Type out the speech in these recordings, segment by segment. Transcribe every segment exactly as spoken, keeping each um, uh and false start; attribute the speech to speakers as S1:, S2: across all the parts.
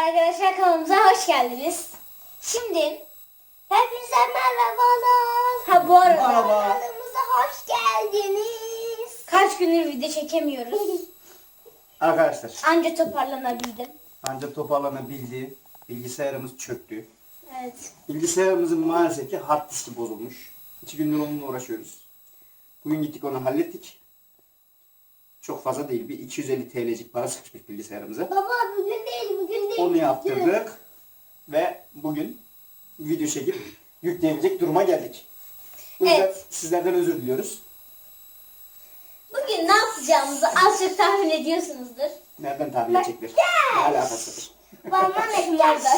S1: Arkadaşlar kanalımıza hoş geldiniz. Şimdi hepinize merhabalar. Ha bu arada
S2: Merhaba.
S1: kanalımıza hoş geldiniz. Kaç gündür video çekemiyoruz.
S2: Arkadaşlar
S1: Anca toparlanabildim.
S2: ancak toparlanabildi. Bilgisayarımız çöktü.
S1: Evet.
S2: Bilgisayarımızın maalesef ki hard diski bozulmuş. İki gündür onunla uğraşıyoruz. Bugün gittik onu hallettik. Çok fazla değil. Bir iki yüz elli T L'cik para sıkışmış bilgisayarımıza.
S1: Baba bugün değil bugün değil.
S2: Onu yaptırdık. Ve bugün video çekip yükleyebilecek duruma geldik. Bu yüzden
S1: Evet.
S2: sizlerden özür diliyoruz.
S1: Bugün ne yapacağımızı az çok tahmin ediyorsunuzdur.
S2: Nereden tahmin edecekler? Ne alakası var?
S1: Babam eklerden.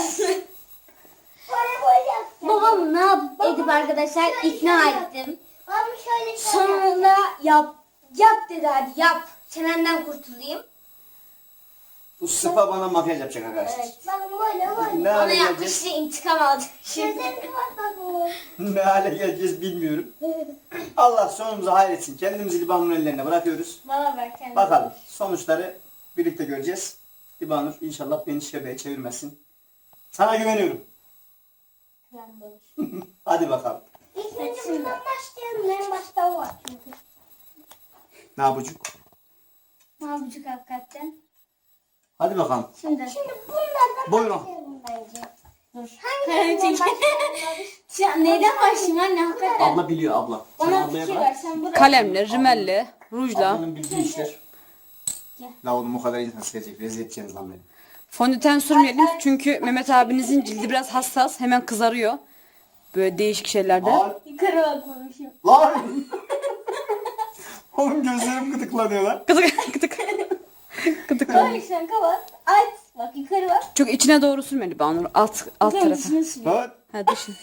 S1: Babam ne yapıp edip arkadaşlar ikna ettim. Sonunda yap, yap dedi hadi yap. Çenenden kurtulayım.
S2: Bu sıpa bana makyaj yapacak arkadaşlar.
S1: Evet.
S2: Ne
S1: Bana
S2: hale geleceğiz?
S1: yapmıştı intikam aldı. Şimdi.
S2: Ne hale geleceğiz bilmiyorum. Allah sonumuzu hayretsin. Kendimizi Libanur'un ellerine bırakıyoruz.
S1: Bana ver kendini.
S2: Bakalım sonuçları birlikte göreceğiz. Libanur inşallah beni şebeye çevirmesin. Sana güveniyorum.
S1: Ben boş.
S2: Hadi bakalım.
S1: İlk önce bundan başlayalım. En başta var çünkü.
S2: Ne yapacak?
S1: Ne yapacak hakikaten?
S2: Hadi bakalım.
S1: Şimdi. Şimdi bunlardan
S2: Buyurun.
S1: başlayalım bence. Dur. Hangi başlayalım? Şu neyden başlayayım anne hakikaten?
S2: Abla biliyor abla. Sen
S1: Ona
S2: ablaya
S1: fikir
S2: bırak.
S1: ver. Sen buraya.
S3: Kalemle, rimelle, rujla,
S2: Ablanın bildiği işler.
S1: Gel.
S2: La oğlum o kadar insan sevecek. Rezil edeceksiniz lan beni.
S3: fondöten sürmeyelim çünkü Mehmet abinizin cildi biraz hassas, hemen kızarıyor. Böyle değişik şeylerde.
S2: Lan!
S1: Yukarı bakmamışım.
S2: Lan! Oğlum gözlerim gıdıklanıyor lan.
S3: Gıdık gıdık. Gıdık.
S1: Kapat sen kapat. Aç. Bak yukarı bak.
S3: Çok içine doğru sürmeli Banur. Alt alt
S1: Yukarı
S3: tarafa.
S1: dışına sür.
S2: Lan!
S3: Ha dışı.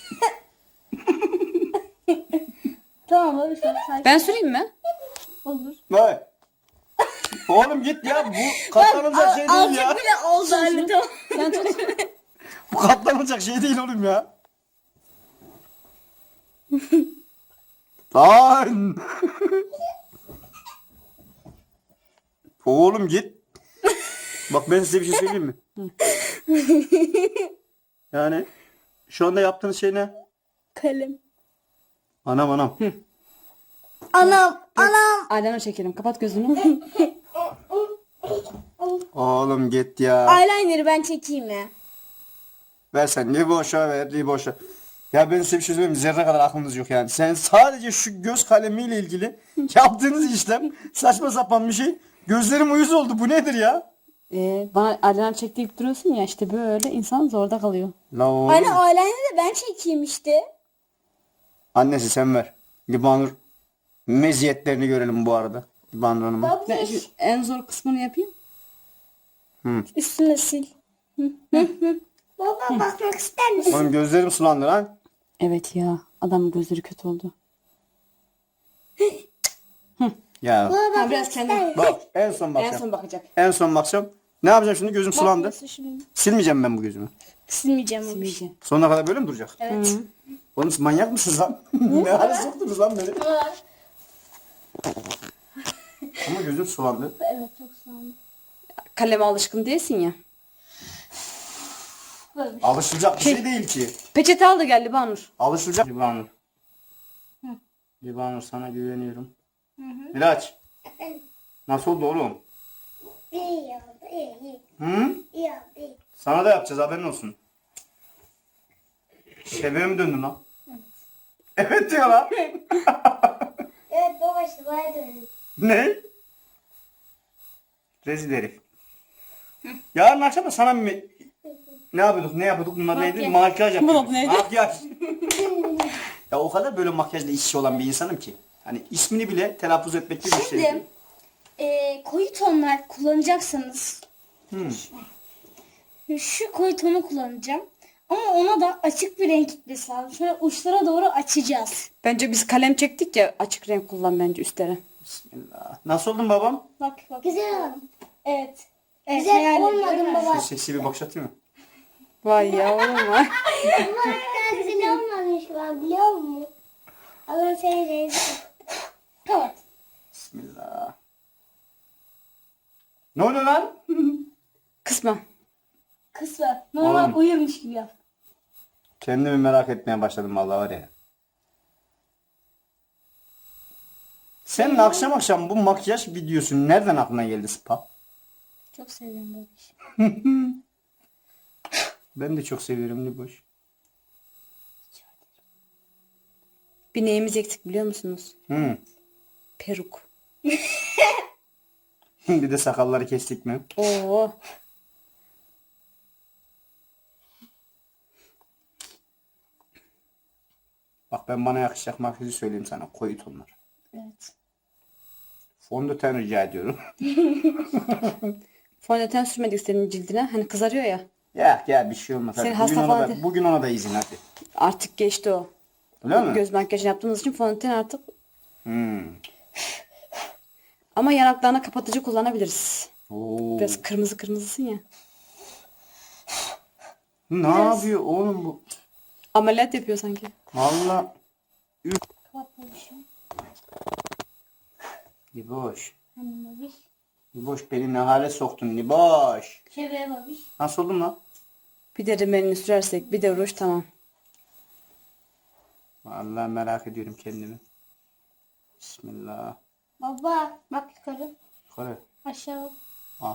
S1: Tamam abi sen sakin.
S3: Ben süreyim mi?
S1: Olur.
S2: Lan! Oğlum git ya. Bu katlanılacak şey değil ya.
S1: bile oldu anne tamam.
S3: Sen tut.
S2: Bu katlanılacak şey değil oğlum ya. Lan! Oğlum git. Bak ben size bir şey söyleyeyim mi? Yani şu anda yaptığınız şey ne?
S1: Kalem.
S2: Anam anam.
S1: Anam. Anam.
S3: Aylana çekelim. Kapat gözünü.
S2: Oğlum git ya.
S1: Eyeliner'ı ben çekeyim ya.
S2: Ver sen. Liboş'a ver. Liboş'a. Ya ben size bir şey söyleyeyim mi? Zerre kadar aklınız yok yani. Sen sadece şu göz kalemiyle ilgili yaptığınız işlem saçma sapan bir şey. Gözlerim uyuz oldu. Bu nedir ya?
S3: Ee, bana aylana çektirip duruyorsun ya işte böyle insan zorda kalıyor.
S2: La oğlum.
S1: Anne eyeliner'ı ben çekeyim işte.
S2: Annesi sen ver. Libanur meziyetlerini görelim bu arada. Libanur Hanım'ın.
S3: Ben şu en zor kısmını yapayım.
S1: Üstüne sil. Baba bakmak ister misin?
S2: Oğlum gözlerim sulandı lan.
S3: Evet ya. Adamın gözleri kötü oldu.
S2: Ya
S1: Baba
S3: Ha, biraz kendi.
S2: bak en son
S3: En
S2: bakacağım.
S3: son bakacak.
S2: En son bakacağım. Ne yapacağım şimdi? Gözüm sulandı.
S1: Nasıl şimdi?
S2: Silmeyeceğim ben bu gözümü.
S1: Silmeyeceğim onu.
S3: Silmeyeceğim.
S2: Sonuna kadar böyle mi duracak?
S1: Evet.
S2: Oğlum siz manyak mısınız lan? ne hale soktunuz lan beni? Ama gözüm sulandı.
S1: Evet çok sağ olun.
S3: Kaleme alışkın değilsin ya.
S1: Böyle.
S2: Alışılacak bir şey değil ki.
S3: Peçete al da gel Libanur.
S2: Alışılacak. Libanur. Libanur sana güveniyorum. Miraç. Nasıl oldu oğlum?
S1: İyi oldu iyi iyi.
S2: Hı?
S1: İyi oldu iyi.
S2: Sana da yapacağız haberin olsun. Şebeğe mi döndün lan? Evet diyor lan.
S1: Evet baba işte bana dönün.
S2: Ne? Rezil herif. Yarın akşam da sana mı... Ne yapıyorduk? Ne yapıyorduk? Bunlar neydi?
S1: Makyaj.
S2: Makyaj yapıyorduk.
S3: Bunlar neydi?
S2: Makyaj. Ya o kadar böyle makyajla işi olan bir insanım ki. Hani ismini bile telaffuz etmek gibi bir şey.
S1: Şimdi e, koyu tonlar kullanacaksanız
S2: Hmm.
S1: şu koyu tonu kullanacağım. Ama ona da açık bir renk gitmesi lazım. Şöyle uçlara doğru açacağız.
S3: Bence biz kalem çektik ya açık renk kullan bence üstlere.
S2: Bismillah. Nasıl oldun babam?
S1: Bak bak. Güzel oldu. Evet. evet Güzel olmadı baba.
S2: Şu seksi bir bakış atayım mı?
S3: Vay ya oğlum var.
S1: Ama güzel olmamış var biliyor musun? Allah seni rezil. Kapat.
S2: Bismillah. Ne oluyor lan?
S3: Kısma.
S1: Kısma. Normal
S2: Oğlum.
S1: uyurmuş gibi yap.
S2: Kendimi merak etmeye başladım vallahi var ya. Senin akşam akşam bu makyaj videosu nereden aklına geldi Spa?
S1: Çok seviyorum babiş.
S2: Ben de çok seviyorum Liboş.
S3: Bir neyimiz eksik biliyor musunuz?
S2: Hı.
S3: Peruk.
S2: Bir de sakalları kestik mi?
S3: Oo.
S2: Bak ben bana yakışacak makyajı söyleyeyim sana. Koyu tonlar.
S1: Evet.
S2: Fondöten rica ediyorum.
S3: Fondöten sürmedik senin cildine. Hani kızarıyor ya.
S2: Ya ya bir şey olmaz. Hadi.
S3: Senin
S2: Bugün,
S3: hasta
S2: ona
S3: falan
S2: da,
S3: değil.
S2: bugün ona da izin hadi.
S3: Artık geçti o.
S2: Öyle mi?
S3: Göz makyajı yaptığımız için fondöten artık.
S2: Hmm.
S3: Ama yanaklarına kapatıcı kullanabiliriz.
S2: Oo.
S3: Biraz kırmızı kırmızısın ya.
S2: Ne yapıyor oğlum bu?
S3: Ameliyat yapıyor sanki.
S2: Valla.
S1: Kapat babişim.
S2: Liboş.
S1: Hani babiş.
S2: Liboş beni ne hale soktun Liboş.
S1: Şöyle babiş.
S2: Nasıl oldun lan?
S3: Bir de rimelini sürersek bir de ruj tamam.
S2: Vallahi merak ediyorum kendimi. Bismillah.
S1: Baba bak yukarı.
S2: Yukarı.
S1: Aşağı bak.
S2: Al.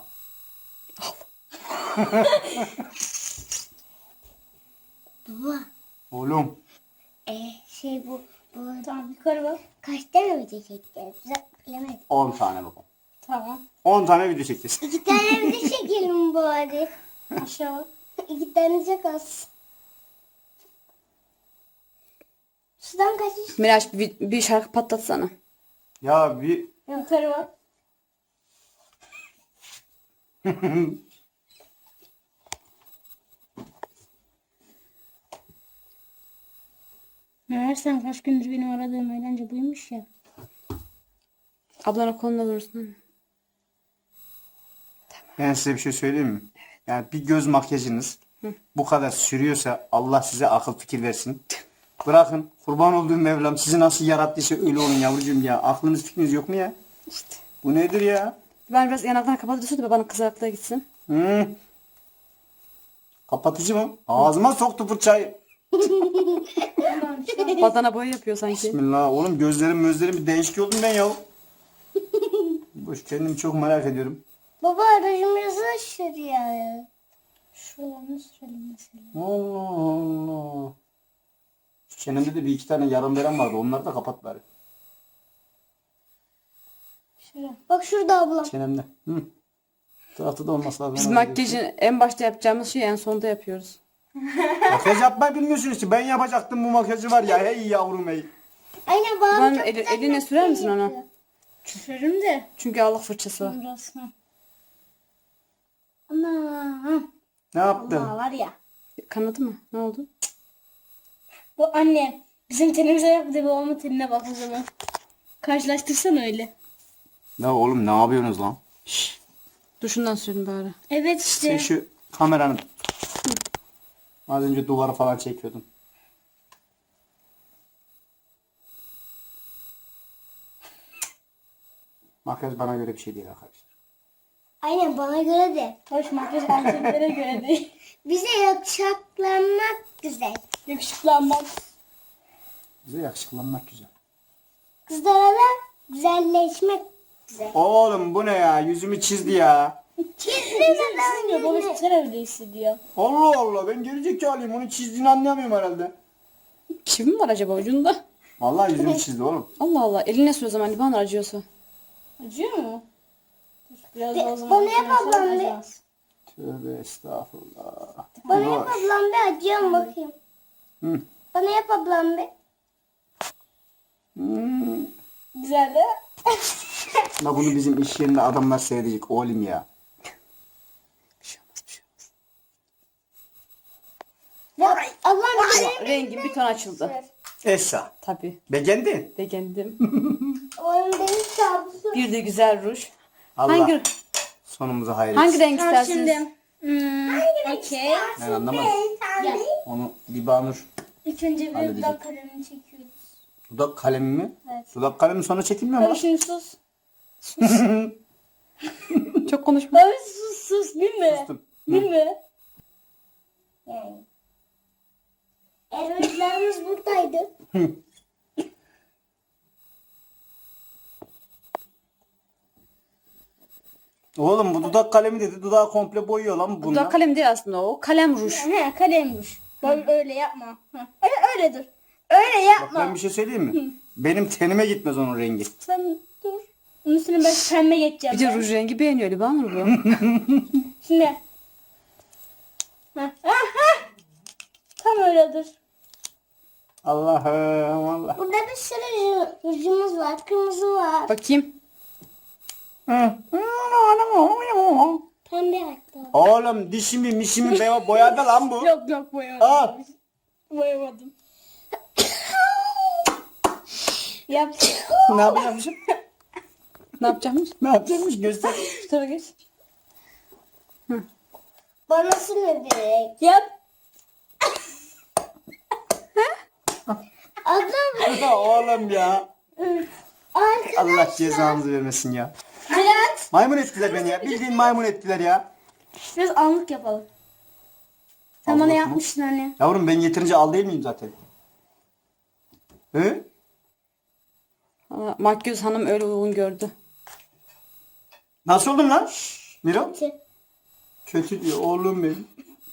S1: Baba.
S2: Oğlum.
S1: Ee, şey bu. bu. Tamam yukarı bak. Kaç tane video çekeceğiz? Bilemedim.
S2: on tane babam.
S1: Tamam.
S2: on tane video çekeceğiz.
S1: İki tane video çekelim bari. Aşağı bak. İki tane çok az. Sudan kaçış.
S3: Miraç bir, bir şarkı patlatsana.
S2: Ya bir
S1: Yukarı bak. Meğersem kaç gündür benim aradığım eğlence buymuş ya.
S3: Ablana koluna vurursun.
S2: ben size bir şey söyleyeyim mi? Yani bir göz makyajınız bu kadar sürüyorsa Allah size akıl fikir versin. Bırakın kurban olduğum Mevlam sizi nasıl yarattıysa öyle olun yavrucuğum ya. Aklınız fikriniz yok mu ya?
S3: İşte.
S2: Bu nedir ya?
S3: Ben biraz yanaklarına kapatıcı sür de bana kızarıklığa gitsin.
S2: Hı. Kapatıcı mı? Ağzıma soktu fırçayı.
S3: Badana boya yapıyor sanki.
S2: Bismillah oğlum gözlerim gözlerim bir değişik oldum ben ya. Boş kendimi çok merak ediyorum.
S1: Baba aracımızı şuraya. Şuralarını sürelim mesela.
S2: Allah Allah. Şu çenemde de bir iki tane yarım veren vardı. Onları da kapat bari.
S1: Şuraya. Bak şurada ablam.
S2: Çenemde. Hı. Tarafta da olması lazım.
S3: Biz
S2: Ona
S3: makyajın en başta yapacağımız şeyi en sonunda yapıyoruz.
S2: Makyaj yapmayı bilmiyorsunuz ki. Ben yapacaktım bu makyajı var ya. Hey yavrum hey.
S1: Aynen babam
S3: Babam
S1: çok
S3: eli-
S1: güzel
S3: eline sürer misin
S1: makyaj
S3: onu?
S1: yapıyor. Sürerim de.
S3: Çünkü Allah fırçası var.
S1: Biraz. Ha. Ana.
S2: Ne yaptın?
S1: Allah var ya.
S3: Kanadı mı? Ne oldu?
S1: Bu anne. Bizim tenimize yaptı babamın tenine bak o zaman. Karşılaştırsan öyle.
S2: Ya oğlum ne yapıyorsunuz lan?
S3: Şşş. Duşundan sürdüm bari.
S1: Evet
S2: Sen
S1: işte.
S2: şu kameranın. Az önce duvarı falan çekiyordum. Makyaj bana göre bir şey değil arkadaşlar.
S1: Aynen bana göre de. Hoş makyaj erkeklere göre değil. Bize yakışıklanmak güzel. Yakışıklanmak.
S2: Bize yakışıklanmak güzel.
S1: Kızlara da güzelleşmek güzel.
S2: Oğlum bu ne ya? Yüzümü çizdi ya.
S1: Çizmiyor. Baba sen öyle hissediyor.
S2: Allah Allah ben gerizekalıyım. Onu çizdiğini anlayamıyorum herhalde.
S3: Kim var acaba ucunda?
S2: Vallahi yüzümü çizdi oğlum.
S3: Allah Allah. Eline sür o zaman liban acıyorsa.
S1: Acıyor mu? Biraz daha o zaman. Bana yap ablam bir.
S2: Tövbe estağfurullah.
S1: Bana yap ablam bir acıyor mu bakayım.
S2: Hı.
S1: Bana yap ablam bir.
S2: Hmm.
S1: Güzel de.
S2: La bunu bizim iş yerinde adamlar seyredecek oğlum ya.
S3: Bir şey olmaz bir şey olmaz.
S1: Ya, ablam bir.
S3: Rengin bir ton açıldı.
S2: Esa.
S3: Tabii.
S2: Beğendin?
S3: Beğendim.
S1: Oğlum benim kabusum.
S3: Bir de güzel ruj.
S2: Allah
S3: Hangi
S2: sonumuzu hayır
S3: hangi
S2: etsin.
S3: renk istersiniz?
S1: Şimdi. Hmm, okey.
S2: Ben anlamadım.
S1: Gel.
S2: Onu Libanur.
S1: İlk önce bir
S2: Halledecek.
S1: dudak kalemini çekiyoruz.
S2: Dudak kalemi mi?
S1: Evet.
S2: Dudak kalemi sonra çekilmiyor mu?
S1: Abi şimdi sus.
S3: Çok konuşma.
S1: Abi sus sus bilme.
S2: Sustum.
S1: Bilme. Yani. Eroidlerimiz buradaydı.
S2: Oğlum bu dudak kalemi dedi. Dudağı komple boyuyor lan bununla.
S3: Dudak kalem değil aslında o. Kalem ruj.
S1: He kalemmiş. Bak öyle yapma. Heh. Öyle, öyle dur. Öyle
S2: Bak
S1: yapma.
S2: ben bir şey söyleyeyim mi? Benim tenime gitmez onun rengi.
S1: Sen dur. Onun üstüne ben pembe geçeceğim.
S3: Bir de
S1: ben.
S3: ruj rengi beğeniyor Libanur bu.
S1: Şimdi. Heh. Heh, heh. Tam öyle dur.
S2: Allah'ım Allah.
S1: Burada bir sürü rujumuz var. Kırmızı var.
S3: Bakayım.
S1: Pembe hatta.
S2: Oğlum dişimi mişimi be- boyadı lan bu.
S1: Yok yok boyamadım.
S2: Aa,
S1: Boyamadım. Yap.
S2: ne yapacakmışım?
S3: Ne yapacakmış?
S2: Ne yapacakmış göster.
S3: Şu tarafa geç.
S1: Bana sürme direkt. Yap. Adam.
S2: Oğlum ya.
S1: Arkadaşlar.
S2: Allah cezanızı vermesin ya.
S1: Biraz.
S2: Maymun ettiler beni ya. Bildiğin maymun ettiler ya.
S1: Biraz anlık yapalım. Sen bana
S2: Anlık mı?
S1: yapmıştın hani.
S2: Yavrum ben yeterince al değil miyim zaten? He?
S3: Aa, Makyöz hanım öyle uygun gördü.
S2: Nasıl oldun lan? Miro?
S1: Şey,
S2: Kötü diyor oğlum benim.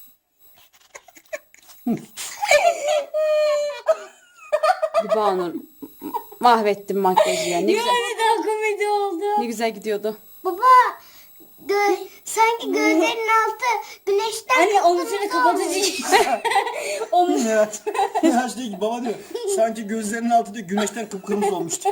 S3: Libanur mahvettim makyajı ya. Ne güzel,
S1: Ne daha komedi oldu.
S3: ne güzel gidiyordu.
S1: Baba. Gö sanki gözlerinin altı güneşten. Anne onun üstüne kapatacak. Onun
S2: Miraç. Miraç diyor ki baba diyor. Sanki gözlerinin altı diyor güneşten kıpkırmızı olmuştu.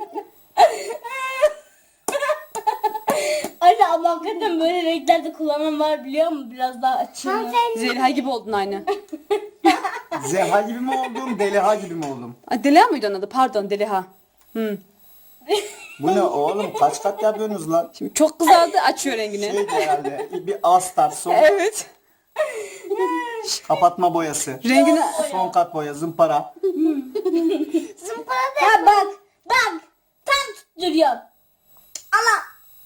S1: Anne ama hakikaten böyle renklerde kullanan var biliyor musun? Biraz daha açayım.
S3: Zeliha gibi oldun aynı.
S2: Zeha gibi mi oldum, Deliha gibi mi oldum?
S3: Ay, Deliha mıydı onun adı? Pardon Deliha. Hı.
S2: Bu ne oğlum? Kaç kat yapıyorsunuz lan?
S3: Şimdi çok kızardı açıyor rengini.
S2: Şeydi herhalde. Bir astar, son
S3: Evet.
S2: kapatma boyası.
S3: Rengini
S2: Son kat boya, zımpara.
S1: Zımparada. Ha bak. Bak. Tam tutturuyor. Allah.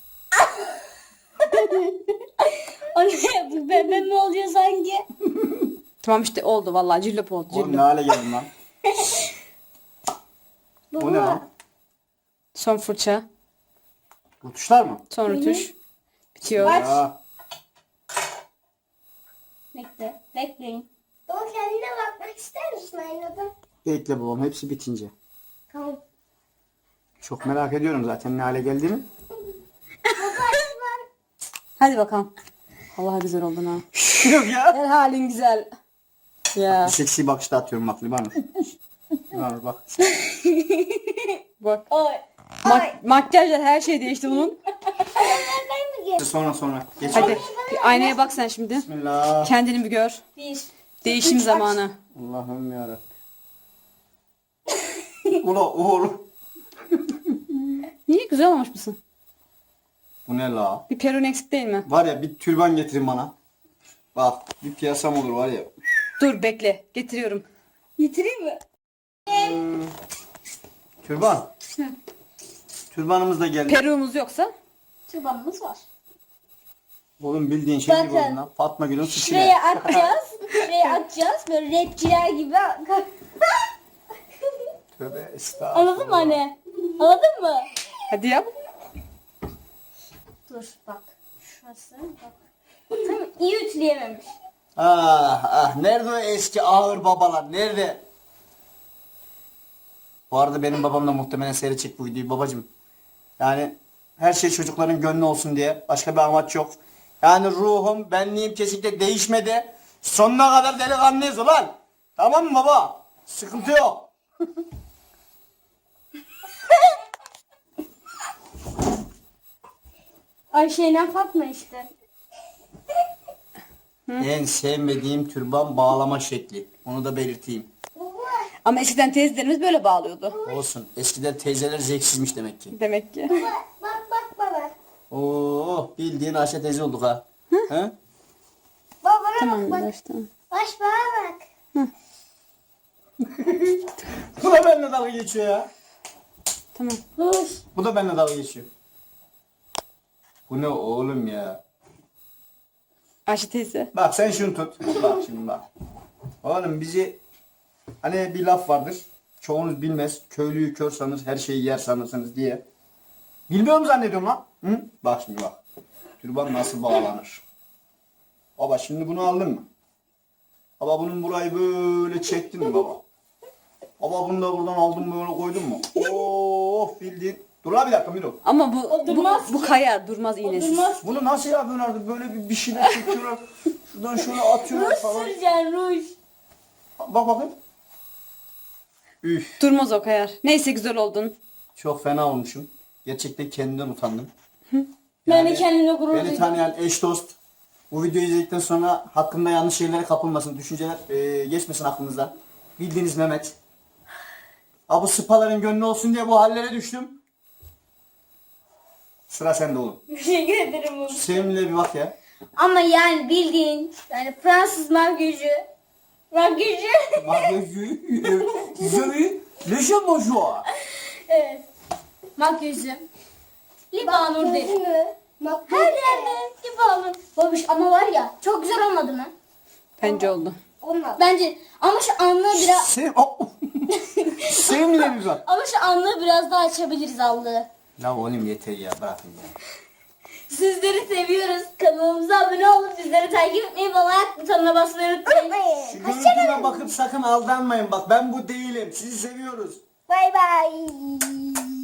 S1: Anne bu bebe mi oluyor sanki?
S3: tamam işte oldu vallahi cillop oldu.
S2: Oğlum ne
S3: Cillop.
S2: hale geldin lan? O ne lan?
S3: Son fırça.
S2: Bu tuşlar mı?
S3: Son rötuş. Bitiyor.
S1: Aç.
S2: Ya.
S1: Bekle. Bekleyin. O kendine bakmak ister misin aynada?
S2: Bekle babam hepsi bitince.
S1: Tamam.
S2: Çok merak ediyorum zaten ne hale geldiğini.
S3: Hadi bakalım. Allah güzel oldun ha.
S2: Yok ya.
S3: Her halin güzel. Ya
S2: Seksi bakışta atıyorum bak Libanur. Libanur bak.
S3: bak.
S1: Oy.
S3: Mak makyajlar her şey değişti bunun.
S1: Nereden mi gel?
S2: Sonra sonra. Geç.
S3: Hadi bir aynaya bak sen şimdi.
S2: Bismillah.
S3: Kendini bir gör.
S1: Bir.
S3: Değişim zamanı.
S2: Allah'ım yarabbim. Ula oğlum.
S3: Niye güzel olmuş musun?
S2: Bu ne la?
S3: Bir perun eksik değil mi?
S2: Var ya bir türban getirin bana. Bak bir piyasam olur var ya.
S3: Dur bekle. Getiriyorum.
S1: Getireyim mi?
S2: Türban. Türbanımız da geldi.
S3: Peruğumuz yoksa?
S1: Çıbanımız var.
S2: Oğlum bildiğin şey gibi
S1: Bakın.
S2: oldu lan. Fatma Gül'ün suçu
S1: Şuraya
S2: ne?
S1: atacağız. Şuraya atacağız. Böyle rapçiler gibi.
S2: Tövbe estağfurullah.
S1: Anladın mı anne? Anladın mı?
S3: Hadi yap.
S1: Dur bak. Şurası bak. Tam iyi ütüleyememiş.
S2: Ah ah nerede o eski ağır babalar nerede? Bu arada benim babam da muhtemelen seyredecek bu videoyu babacım. Yani her şey çocukların gönlü olsun diye başka bir amaç yok. Yani ruhum benliğim kesinlikle değişmedi. Sonuna kadar delikanlıyız ulan. Tamam mı baba? Sıkıntı yok.
S1: Ayşe'yle Fatma işte.
S2: En sevmediğim türban bağlama şekli. Onu da belirteyim.
S3: Ama eskiden teyzelerimiz böyle bağlıyordu.
S2: Olsun. Eskiden teyzeler zevksizmiş demek ki.
S3: Demek ki.
S1: Bak bak baba.
S2: Oo bildiğin Ayşe teyze olduk ha. He?
S1: Baba bana
S3: Tamam
S1: bak.
S3: güzel işte.
S1: Baş bana bak.
S2: Bu da benimle dalga geçiyor ya.
S3: Tamam.
S1: Dur.
S2: Bu da benimle dalga geçiyor. Bu ne oğlum ya?
S3: Ayşe teyze.
S2: Bak sen şunu tut. Bak şimdi bak. Oğlum bizi hani bir laf vardır. Çoğunuz bilmez. Köylüyü kör sanır, her şeyi yer sanırsınız diye. Bilmiyor mu zannediyorum lan? Hı? Bak şimdi bak. Türban nasıl bağlanır? Baba şimdi bunu aldın mı? Baba bunun burayı böyle çektin mi baba? Baba bunu da buradan aldın böyle koydun mu? Oh bildiğin. Dur lan bir dakika Miro.
S3: Ama bu bu,
S1: durmaz
S3: bu kayar durmaz iğnesiz.
S1: Durmaz.
S2: Bunu nasıl yapıyorlar artık? Böyle bir, bir şeyler çekiyorlar. Şuradan şöyle atıyorlar
S1: Ruj
S2: falan.
S1: süreceksin ruj.
S2: Bak bakayım. Üf.
S3: Durmaz o kayar. Neyse güzel oldun.
S2: Çok fena olmuşum. Gerçekten kendimden utandım.
S1: Ben de kendimle gurur
S2: Beni
S1: duydum.
S2: tanıyan eş dost bu videoyu izledikten sonra hakkında yanlış şeylere kapılmasın. Düşünceler e, geçmesin aklınızdan. Bildiğiniz Mehmet. Abi sıpaların gönlü olsun diye bu hallere düştüm. Sıra sende oğlum.
S1: Teşekkür ederim oğlum.
S2: Sevimli'ye bir bak ya.
S1: Ama yani bildiğin yani Fransız makyajı. Makyajı.
S2: Makyajı. Güzel. Leşe bonjour.
S1: Evet. Makyajı. Libanur değil. Her yerde Libanur. Babiş ama var ya çok güzel olmadı mı?
S3: Bence oldu.
S1: Olmadı. Bence ama şu anlığı biraz
S2: Sev... Oh. Sevimli'ye bir bak.
S1: ama şu anlığı biraz daha açabiliriz allığı.
S2: La oğlum yeter ya bırakın ya.
S1: Sizleri seviyoruz. Kanalımıza abone olup bizleri takip etmeyi ve like butonuna basmayı unutmayın.
S2: Şu görüntüme bakıp sakın aldanmayın bak ben bu değilim. Sizi seviyoruz.
S1: Bay bay.